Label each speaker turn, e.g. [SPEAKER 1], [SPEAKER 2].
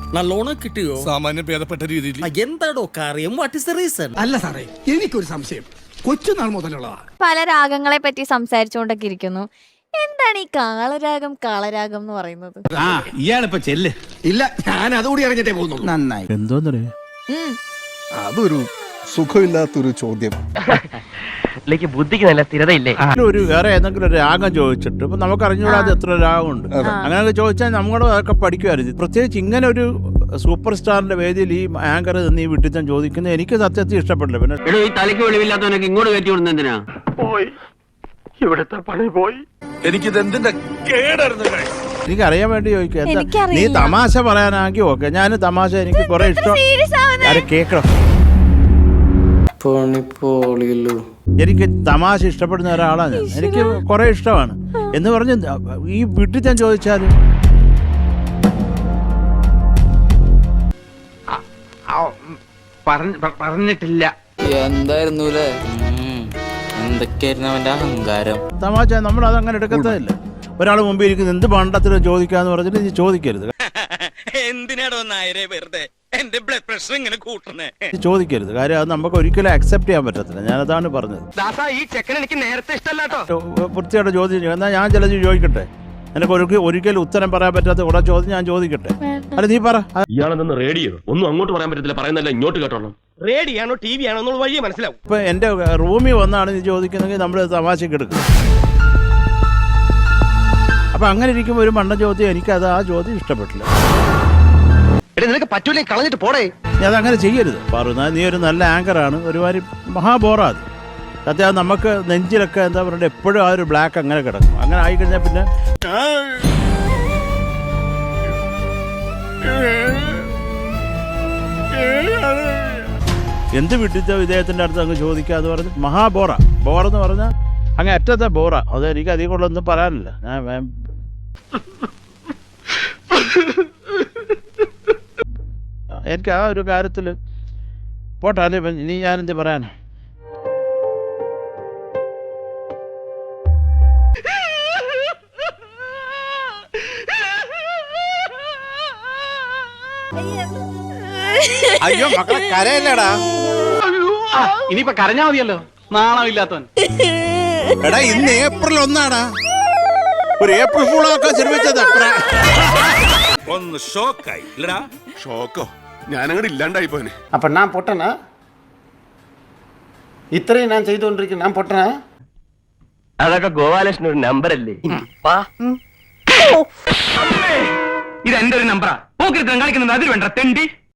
[SPEAKER 1] നല്ലോണം കിട്ടിയോ?
[SPEAKER 2] സാമാന്യം ഭേദപ്പെട്ട രീതിയിൽ.
[SPEAKER 1] എന്താടോ കാര്യം? What is the reason?
[SPEAKER 3] അല്ല സാറേ, എനിക്കൊരു സംശയം. കൊച്ചുനാൾ മുതലുള്ളതാ.
[SPEAKER 4] പല രാഗങ്ങളെ പറ്റി സംസാരിച്ചുകൊണ്ടൊക്കെ ഇരിക്കുന്നു. എന്താണ് ഈ കാളരാഗം കാളരാഗം എന്ന് പറയുന്നത്?
[SPEAKER 5] ഇയാളിപ്പോ ചെല്ല്.
[SPEAKER 3] ഇല്ല, ഞാൻ അതുകൂടി അറിഞ്ഞിട്ടേ പോകുന്നു.
[SPEAKER 5] നന്നായി.
[SPEAKER 2] എന്തോന്നറിയ
[SPEAKER 6] അതൊരു സുഖമില്ലാത്തൊരു ചോദ്യം.
[SPEAKER 7] ബുദ്ധിക്ക് നല്ല സ്ഥിരതയില്ലേ?
[SPEAKER 2] ഒരു വേറെ ഏതെങ്കിലും ഒരു രാഗം ചോദിച്ചിട്ട് ഇപ്പൊ നമുക്ക് അറിഞ്ഞുകൂടാതെ എത്ര രാഗമുണ്ട്, അങ്ങനെയൊക്കെ ചോദിച്ചാൽ നമ്മുടെ അതൊക്കെ പഠിക്കുമായിരുന്നു. പ്രത്യേകിച്ച് ഇങ്ങനെ ഒരു സൂപ്പർ സ്റ്റാറിന്റെ വേദിയിൽ ഈ ആങ്കർ നീ വിട്ടിച്ചാൻ ചോദിക്കുന്നത് എനിക്ക് സത്യത്തിൽ ഇഷ്ടപ്പെടില്ല. പിന്നെ
[SPEAKER 7] ഈ തലയ്ക്ക് വെളിവില്ലാത്തവനൊക്കെ ഇങ്ങോട്ട് കയറ്റി വിടുന്ന എന്തിനാ?
[SPEAKER 1] പോയി, ഇവിടുത്തെ പണി പോയി.
[SPEAKER 2] എനിക്കിത് എന്തിന്റെ എനിക്കറിയാൻ വേണ്ടി ചോദിക്കുക. നീ
[SPEAKER 4] എനിക്കറിയില്ല.
[SPEAKER 2] തമാശ പറയാനാക്കി ഓക്കെ, ഞാൻ തമാശ എനിക്ക് കുറെ ഇഷ്ടം. കേക്കണം, എനിക്ക് തമാശ ഇഷ്ടപ്പെടുന്ന ഒരാളാണ് ഞാൻ. എനിക്ക് കുറെ ഇഷ്ടമാണ് എന്ന് പറഞ്ഞ് ഈ വീട്ടിൽ ഞാൻ ചോദിച്ചാല്
[SPEAKER 7] പറഞ്ഞിട്ടില്ല.
[SPEAKER 8] എന്തായിരുന്നു എന്തൊക്കെയായിരുന്നു അവന്റെ അഹങ്കാരം?
[SPEAKER 2] തമാശ നമ്മൾ അതങ്ങനെ എടുക്കത്തില്ല. ഒരാൾ മുമ്പിൽ ഇരിക്കുന്ന എന്ത് പണ്ടത്തിലും ചോദിക്കാന്ന് പറഞ്ഞിട്ട് നീ ചോദിക്കരുത്.
[SPEAKER 1] എന്തിനാടോ നായരെ വെറുതെ എന്റെ ബ്ലഡ് പ്രഷർ ഇങ്ങനെ കൂട്ടണേ?
[SPEAKER 2] ചോദിക്കരുത്. കാര്യം അത് നമുക്ക് ഒരിക്കലും അക്സെപ്റ്റ് ചെയ്യാൻ പറ്റത്തില്ല. ഞാനതാണ് പറഞ്ഞത്.
[SPEAKER 7] ഈ ചെക്കൻ എനിക്ക് നേരത്തെ ഇഷ്ടമല്ലാട്ടോ.
[SPEAKER 2] വൃത്തിയായിട്ട് ചോദ്യം എന്നാൽ ഞാൻ ചിലത് ചോദിക്കട്ടെ. എനിക്ക് ഒരിക്കലും ഉത്തരം പറയാൻ പറ്റാത്ത കുറെ ചോദ്യം ഞാൻ ചോദിക്കട്ടെ. അല്ല നീ പറ.
[SPEAKER 9] ഇയാളെന്ന് റേഡിയോ ഒന്നും അങ്ങോട്ട് പറയാൻ പറ്റത്തില്ല, പറയുന്നല്ല ഇങ്ങോട്ട് കേട്ടോളാം.
[SPEAKER 1] റേഡിയാണോ ടി വി ആണോ എന്നുള്ള വഴിയെ മനസ്സിലാവും.
[SPEAKER 2] ഇപ്പൊ എന്റെ റൂമിൽ വന്നാണ് നീ ചോദിക്കുന്നെങ്കിൽ നമ്മൾ തമാശക്ക് എടുക്കും. അപ്പൊ അങ്ങനെ ഇരിക്കുമ്പോൾ ഒരു മണ്ണ ചോദ്യം എനിക്കത് ആ ചോദ്യം ഇഷ്ടപ്പെട്ടില്ല.
[SPEAKER 7] നിനക്ക് പറ്റൂലേ, കളഞ്ഞിട്ട് പോടേ.
[SPEAKER 2] നീ അതങ്ങനെ ചെയ്യരുത്. പറഞ്ഞാൽ നീ ഒരു നല്ല ആങ്കറാണ്, ഒരുമാതിരി മഹാബോറാത് സത്യം. നമുക്ക് നെഞ്ചിലൊക്കെ എന്താ പറയുക, എപ്പോഴും ആ ഒരു ബ്ലാക്ക് അങ്ങനെ കിടക്കും. അങ്ങനെ ആയിക്കഴിഞ്ഞാൽ പിന്നെ എന്ത് വിട്ടിച്ച ഇദ്ദേഹത്തിന്റെ അടുത്ത് അങ്ങ് ചോദിക്കാന്ന് പറഞ്ഞ് മഹാബോറ. ബോറെന്ന് പറഞ്ഞാൽ അങ്ങ് അറ്റത്തെ ബോറ. അത് എനിക്ക് അധികം കൊള്ളൊന്നും പറയാനില്ല. ഞാൻ എനിക്ക് ആ ഒരു കാര്യത്തിൽ പോട്ടെ. അല്ലേ ഇനി ഞാനെന്ത് പറയാനാ? അയ്യോ മക്കളെ കരയല്ലടാ.
[SPEAKER 7] ഇനിയിപ്പൊ കരഞ്ഞാ മതിയല്ലോ, നാണമില്ലാത്തവൻ.
[SPEAKER 2] എടാ ഇന്ന് ഏപ്രിൽ 1 ഒരു ഏപ്രിൽ ഫൂളൊക്കെ ശ്രമിച്ചത്
[SPEAKER 9] ഒന്ന് ഷോക്കായി ഇല്ലടാ.
[SPEAKER 6] ഷോക്കോ? ഞാനങ്ങോട്ട് ഇല്ലാണ്ടായി പോനെ.
[SPEAKER 5] അപ്പൊ ഞാൻ പൊട്ടനാ? ഇത്രയും ഞാൻ ചെയ്തുകൊണ്ടിരിക്കുന്നു, ഞാൻ പൊട്ടനാ?
[SPEAKER 7] അതൊക്കെ ഗോപാലകൃഷ്ണൻ ഒരു നമ്പർ അല്ലേ? ഇത് എന്റെ ഒരു നമ്പറാ. പോക്കിരുത്തം കളിക്കുന്നത് അതിൽ വേണ്ട തെണ്ടി.